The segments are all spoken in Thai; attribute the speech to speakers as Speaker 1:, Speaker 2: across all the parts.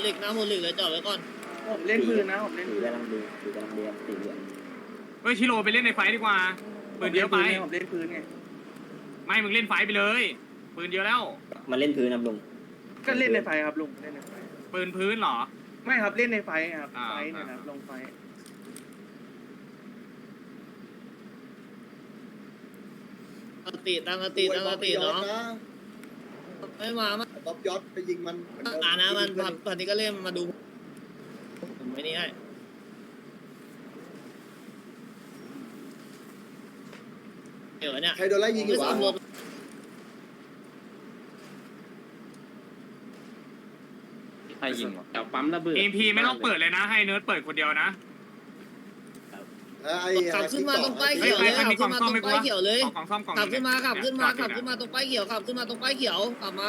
Speaker 1: เหล็กหน้าโพเหล็กเลยจอดไว้ก่อน
Speaker 2: ผมเล่นปืนนะผมเล่นปืน
Speaker 3: กำลังดูกำลังเรียนสีเหลือง
Speaker 4: เฮ้ยชิโร่ไปเล่นในไฟดีกว่าปืนเยอะไป
Speaker 2: ผมเล่นปืนไง
Speaker 4: ไม่มึงเล่นไฟไปเลยปืนเยอะแล้ว
Speaker 3: มาเล่นพื้นนะลุง
Speaker 2: ก็เล่นในไฟครับลุงเล่นในไฟ
Speaker 4: ปืนพื้นเหรอ
Speaker 2: ไม่ครับเล่นในไฟครับ
Speaker 4: อ่า
Speaker 2: ไฟเนี่ยนะลงไฟ
Speaker 1: ตั้งสติตั้งสติเนาะไม่มา
Speaker 5: บ๊อบยอดไปยิงมัน
Speaker 1: นะมันพันนี้ก็เล่นมาดูผมไม่นี่ให้เดี๋ยวเนี่ย
Speaker 5: ใครโดนไล่ยิงอยู่วะ
Speaker 6: ใครยิงวะ
Speaker 7: แถวปั๊มระเบิด
Speaker 4: เอ็มพีไม่ต้องเปิดเลยนะให้เนิร์ดเปิดคนเดียวนะ
Speaker 1: ขับขึ้นมาตรงป้ายเขียวเลยขับขึ้นมาตรงป้ายเขียวเลย
Speaker 4: กล่องซ่อมกล่อง
Speaker 1: ขับขึ้นมาตรงป้ายเขียวขับขึ้นมาตรงป้ายเขียวขับมา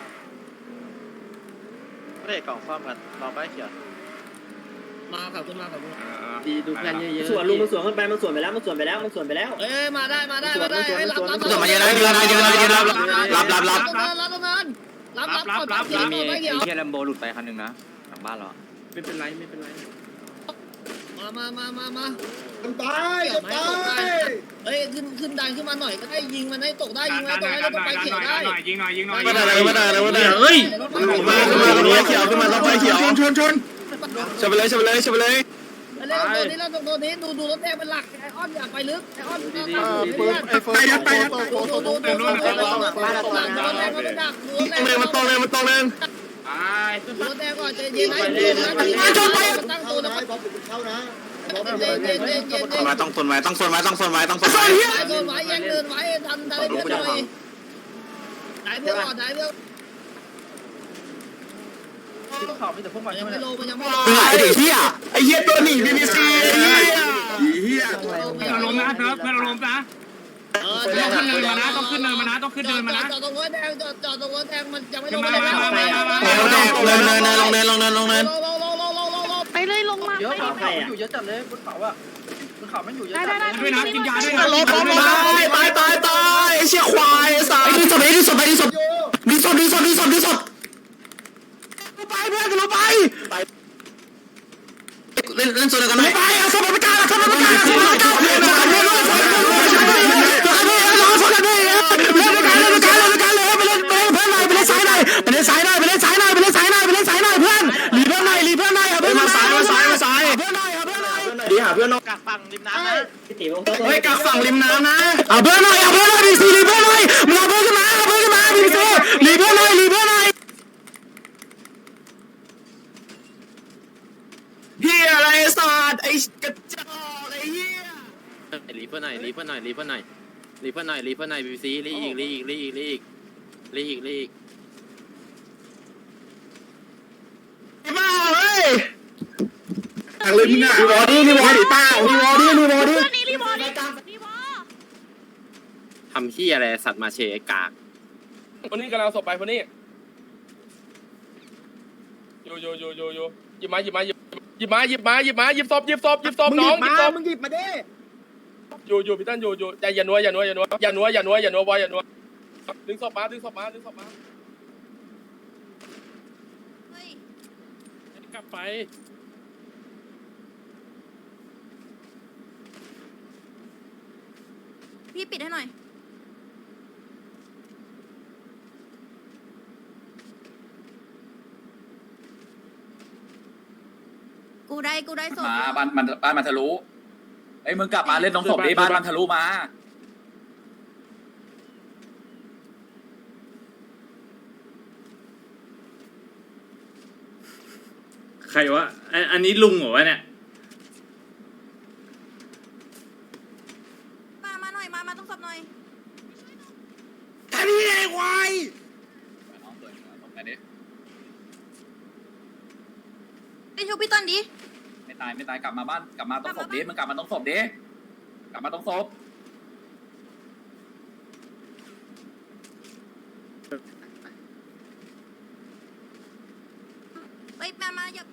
Speaker 6: ไม่ได้กล่องซ่อมกันรอป้ายเขียว
Speaker 1: ขับขึ้นมา
Speaker 7: ดีดูเพื่อนเยอะๆ
Speaker 3: สวนลุงมันสวนขึ้นไปมันสวนไปแล้วมันสวนไปแล้วมันสวนไปแล้ว
Speaker 1: เอ้ยมาได้ให้รับ
Speaker 3: ส่วนมาเยอะนะเยอะนะเยอะนะเยอะนะรับ
Speaker 1: ตรงนั้นรับเขียว
Speaker 6: มี
Speaker 1: ป้ายเขียว
Speaker 6: เทียร์แลมโบหลุดไปคันหนึ่งนะหลังบ้านเรา
Speaker 7: ไม่เป็นไร
Speaker 1: มา
Speaker 5: มันตายจะตาย
Speaker 1: เอ้ยขึ้นดันขึ้นมาหน่อยก็ได้ยิงมันให้ตกได้ยิงมันตกได้ตรงป้ายเขียวได้
Speaker 4: ยิงหน่อย
Speaker 3: ไม่ได้เฮ้ยมาตรงนี้เขียวขึ้นมาตรงป้ายเขียวชนชนไปเลยตัวนี้ดูรถแดงเป็นหลักไอออนอยากไปลึกไอออนไปยัดดูรถแดงมันตรงเลย
Speaker 4: ตาย
Speaker 1: รถแดงก่อนจะยิงให้ตั้งตัวนะ
Speaker 5: บ๊อบเดี๋ยวมันเข้านะบ๊อบ
Speaker 1: เย็น
Speaker 3: ต้องส่วนไว้
Speaker 1: โดนไว้ยังเดินไว้ทันได้เพื่อนหน่อยได้เพื่อนก่อนได้เพื่อน
Speaker 2: ข่าวมีแต่พวกมัน
Speaker 1: ยังไม่ลง
Speaker 3: ไอ้เหี้ยตัวหนีบีบีซีไอ้เหี้ย
Speaker 4: เพื่อนเราล้มนะเพื่อนเราล้มนะต้องขึ้นเนินมานะต้องขึ้นเนินมานะ
Speaker 1: จอดตรงรถแดงจอดตรงรถแดงมันยังไม่ลง
Speaker 3: ลงเนิน
Speaker 8: ไปเลยลงมา
Speaker 2: เยอะ
Speaker 8: ไป
Speaker 2: ข่าว
Speaker 8: ดิ
Speaker 2: มันอยู่เยอะจัดเลยบนเขาอ่ะบนเขามันอยู่เยอะ
Speaker 8: ได้
Speaker 2: จัด
Speaker 8: ได้ได้
Speaker 4: ด้วยนะกินยาด้วยนะ
Speaker 3: ตายไอ้เชี่ยควายไอ้สัสดีสุดไปเพื่อนกันลงไปเล่นส่วนกันไหมไปเอาสมบัติการเล่นด้วยกันเลยไปเล่นเพื่อนหน่อยไปเล่นสายหน่อยเพื่อนหลีเพื่อนหน่อยเอาเพื่อนมาสายเพื่อนหน่อยดีหาเพื่อนนอก
Speaker 6: กักฝั่งริมน้ำนะ
Speaker 3: เฮ้ยกักฝั่งริมน้ำนะเอาเพื่อนหน่อยดีซีหลีเพื่อนหน่อยมึงเอาเพื่อนขึ้นมาดีซีหลีเพื่อนหน่อยเฮียอะไรสัตว์ไอ้กระจอกไอ้เฮีย
Speaker 7: รีเพื่อนหน่อยบีซีรีอีก
Speaker 3: บ้าเฮ้ยทางเลยพี่หน้ารีวอร์ดี้ป้ารีวอร์ดี้
Speaker 8: เพื่อนนี้รีบอร์รีบอร์
Speaker 7: ทำขี้อะไรสัตว์มาเชยกาก
Speaker 9: คนนี้กำลังศพไปคนนี้โยหยิบศพน้องหยิบมาดิอยู่พี่ตั้นอยู่ใจอย่านัวดึงศพมา กลับไป
Speaker 8: พี่ปิดให้หน่อยกูได้ส่ง
Speaker 10: มาบ้านมันทะลุเอ้ยมึงกลับมาเล่นตรงศพดิบ้านมันทะลุมา
Speaker 7: ใครวะอันนี้ลุงเหรอวะเนี่ย
Speaker 8: มาหน่อยมาต้องสอบหน่อย
Speaker 3: แค่นี้ไอ้ควาย
Speaker 10: น้องเปิดตรงไหนดิ
Speaker 8: ไปชูพี่ต้นดิ
Speaker 10: ไม่ตายกลับมาบ้านกลับมาตรงศพดิมึงกลับมาตรงศพดิกลับมาตรงศพ
Speaker 8: เฮ้ยมาอย่า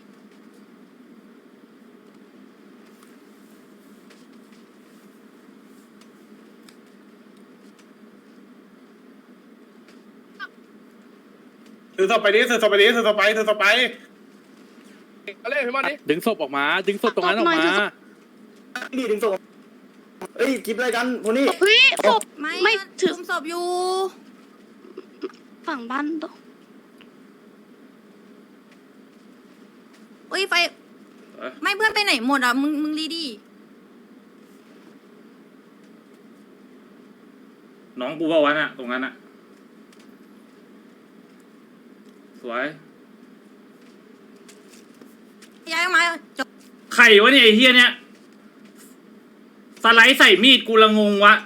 Speaker 9: ถือศพไปเอาเล่นพี่มันดิ
Speaker 4: ดึงศพออกมาดึงศพตรงนั้นออกมา
Speaker 3: ดีถึงส่งเอ้ยกิบอะไรกันพวกนี้
Speaker 8: เฮ้ยศพไม่ถือศพอยู่ฝั่งบ้านตเฮ้ยไฟไม่เพื่อนไปไหนหมดอ่ะมึงรีดิ
Speaker 4: น้องกูว่าวันอะตรงนั้นอะสวย
Speaker 8: ย้ายมาจบ
Speaker 4: ไข่วะเนี่ยไอ้เฮียเนี่ยสไลด์ใส่มีดกูละงงวะ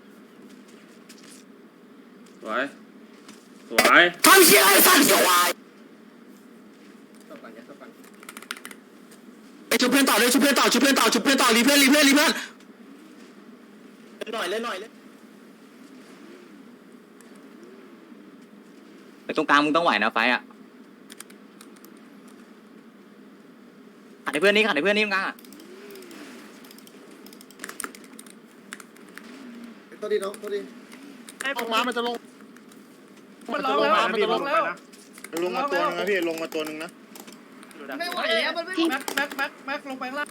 Speaker 4: สวยสวย
Speaker 3: ทำเชี่ยอะไรสั่นสวายชุบเพื่อนต่อเลยชุบเพื่อนต่อชุบเพื่อนต่อชุบเพื่อนต่อรีเพื่อนเล่นหน่อยเล่นหน่อยเล่น
Speaker 6: ไปตรงกลางมึงต้องไหวนะไฟอ่ะขัดให้เพื่อนนี่ตรงกลางอ่ะ
Speaker 5: ตัวดีน้องตัวดี
Speaker 9: ลงมามันจะลง
Speaker 2: มันร้องแล้วมันจะร้องแล้ว
Speaker 9: ลงมาตัวนึงนะพี่ลงมาตัวนึงนะ
Speaker 1: ไม่ไหวแล้วมันไม่
Speaker 2: แม็กลงไปล่าง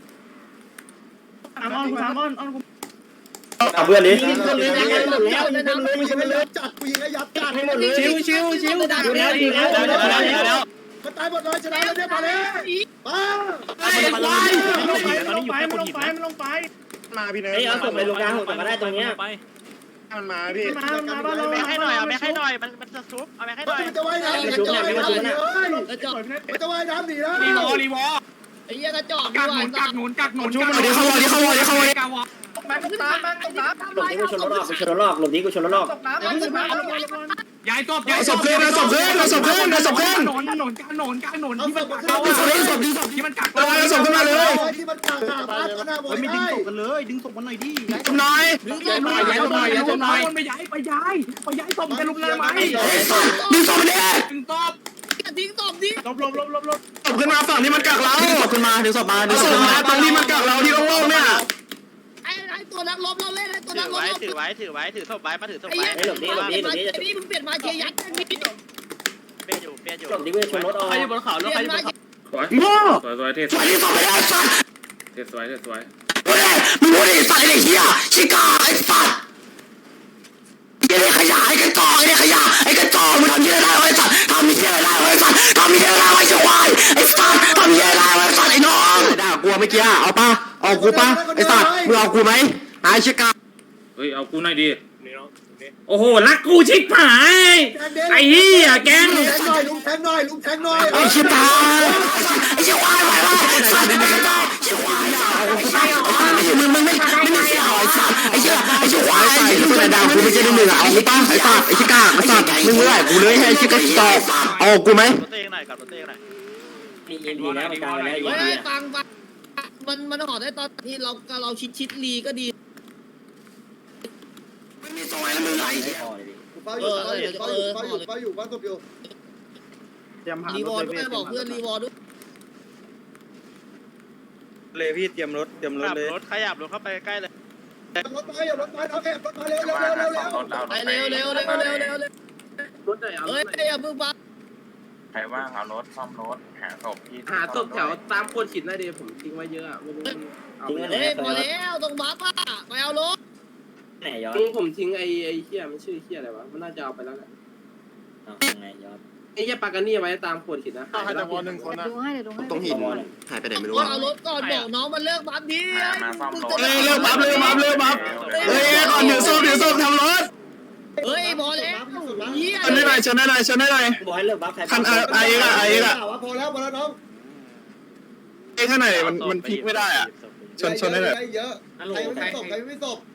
Speaker 2: สามอน
Speaker 3: เอาเพื่อนดิ
Speaker 5: ยิงคนเลยยิงหมดแล้วยิงคนเลยจัดกูยิงระยับจัดให้หมดเลย
Speaker 1: ชิวมันตายหมดเลยชนะแล้วเนี่ยมาแล้ว
Speaker 2: ลงไป
Speaker 9: มาพี่เนย
Speaker 3: เอาส่งไปลงกลางส่งมาได้ตรงเนี้ย
Speaker 9: มันมาพี่
Speaker 2: มาบ้านเรา
Speaker 6: แม่ให้หน่อยเอาแม่ให้หน่อยมันจะซุบเอาแม่ให้หน่อย
Speaker 5: มันจะว่ายน้ำมันจะว่ายน้ำหนีเลย
Speaker 1: กระจอก
Speaker 5: มันจะว่ายน้ำหนีแล้ว
Speaker 4: รีวอ
Speaker 1: ไอ้เหี้ยกระจอก
Speaker 4: กักหนุนกักหนุนกักหนุนกักหนุน
Speaker 3: เข้ามา
Speaker 2: แม็กตามตกน้ำ
Speaker 3: หลบนี้กูชนรถออกหลบนี้กูชนรถออก
Speaker 2: ตกน้ำขึ้นมา
Speaker 4: ย้ายศพ
Speaker 3: ศพเพื่อนศพเพื่อน
Speaker 4: หนุนกักหนุนกักหนุนกักหนุน
Speaker 5: เอา
Speaker 4: ที่
Speaker 5: ศ
Speaker 4: มัน
Speaker 5: พ
Speaker 4: กัก
Speaker 5: ขึ้น
Speaker 4: เรา
Speaker 5: มา
Speaker 4: อะ
Speaker 3: ศพดีศพ
Speaker 4: ที่มันกัก
Speaker 3: เอาศพขึ้นมาเลย
Speaker 5: ที่มันกลางหาพักก็น่าบอกได้
Speaker 2: ดึงศพมันหน่อยดิ
Speaker 3: นาย
Speaker 4: ย้ายศพหน่อยย้ายศพหน่อยย้ายศพหน่อยไปย้ายศพจะลุกเลยไหม
Speaker 3: ดึงศพมันดิ
Speaker 4: ถึงตบ
Speaker 1: ทิ้งตบดิ
Speaker 2: ลบ
Speaker 3: ศพขึ้นมาฝั่งที่มันกักเราศพขึ้นมาดึงศพมาตรงที่มันกักเราที่โล่งๆเนี่ย
Speaker 1: ไอ้ตัวนักลบเราเล่นไอ้ตัวนักลบ
Speaker 6: ถือไว้ถือศพไว้มาถือศพ
Speaker 1: ไอ้
Speaker 6: ไว้
Speaker 1: เหี้ยนี่มึงเปลี่ยนมาเชียร์ยัดนี่
Speaker 6: เปลี่ยนอยู่
Speaker 3: ศพนี้กูชนรถออก
Speaker 1: ใครอยู่บนเขาแล้วใครอยู่บนเขา
Speaker 4: สวย
Speaker 3: โง่
Speaker 4: สวยเทส
Speaker 3: สวยที่ศพไม่ได้สัตว์
Speaker 4: สวย
Speaker 3: มึงพูดดิสัตว์ไอ้เหี้ยชิกาไอ้สัตว์ไอ้ขยะไอ้กระจอกไอ้ขยะไอ้กระจอกมึงทำยังไงได้ไอ้สัตว์ทำยังไงได้ไอ้สัตว์ทำยังไงได้ไอ้ควายไอ้สัตว์ทำยังไงได้ไอ้สัตว์ไอ้น้องด่ากูเมื่อกี้เอาป่ะเอากูป่ะไอ้สัตว์มึงเอากูไหมไอ้ชิกา
Speaker 4: เฮ้ยเอากูหน่อยดิโอ้โหรักกูชิบหายไอ้เหี้ยแกง
Speaker 5: ลุงแทงหน่อยลุงแทงหน่อย
Speaker 3: ไอ้ชิตาไอ้ชิควายไปวะสัตว์ไอ้กระจอกชิควายมึงไม่เสียหายสัตว์ไอ้ชิควายไอ้ที่มึงด่ากูไม่ใช่มึงเอากูป่ะไอ้สัตว์ไอ้ชิกาไอ้สัตว์มึงไม่ได้กูเลยให้ไอ้ชิกาตอบเอากูไหม
Speaker 6: ตัวเองหน่อยกับตัวเองหน่อย
Speaker 3: มีดีแล้วมันกลายแล้ว
Speaker 1: เฮ้ยฟังมันห่อได้ตอนที่เราชิดลีก็ดี
Speaker 3: ไม่มีซอยแล้วมึงไง
Speaker 5: เฝ้าอยู่บ้านศพอยู่
Speaker 1: รีวอร์ด้วยบอกเพื่อนรีวอร์ด้วย
Speaker 2: เลยพี่เตรียมรถเลย
Speaker 6: รถขยับรถเข้าไปใกล้เลย
Speaker 5: รถไปเอาแอบรถมาเร็ว
Speaker 1: ไปเร็ว
Speaker 2: รถไหนเอา
Speaker 1: เฮ้ยอย่าพึ่งบัง
Speaker 7: ใครว่างเอารถซ่อมรถหาศพที่
Speaker 2: หาศพแถวตามโคนหินได้ดิผมทิ้งไว้เยอะอ่ะไม่รู้เอาไป
Speaker 1: เฮ้ยพอแล้วตรงบัฟอ่ะไปเอารถ
Speaker 3: ไหนยอด
Speaker 2: ผมทิ้งไอ้เหี้ยมันชื่อเหี้ยอะไรวะมันน่าจะเอาไปแล้วแหละ
Speaker 3: ไหนยอด
Speaker 2: ไอ้เหี้ยปากันนี่ไว้ตามโคนหินนะ
Speaker 9: ใครจะวอ1คนนะ
Speaker 3: ตรงหินหายไปไหนไม่รู้
Speaker 1: เอารถก่อนบอกน้องมันเลิกบัฟดิ
Speaker 7: มาซ่อมรถ
Speaker 3: เร็วปั๊บเฮ้ยก่อนเดี๋ยวส้มทำรถ
Speaker 1: เฮ้ยพอแล้วเฮีย
Speaker 3: ชนได้หน่อย
Speaker 2: บอกให้เลิกบัฟใคร
Speaker 3: คันไอ้ก็
Speaker 5: พอแล้วน้อง
Speaker 3: ไอ้ข้างในมันพลิกไม่ได้อ่ะชนได้เลย
Speaker 5: เยอะใครไม่ศพ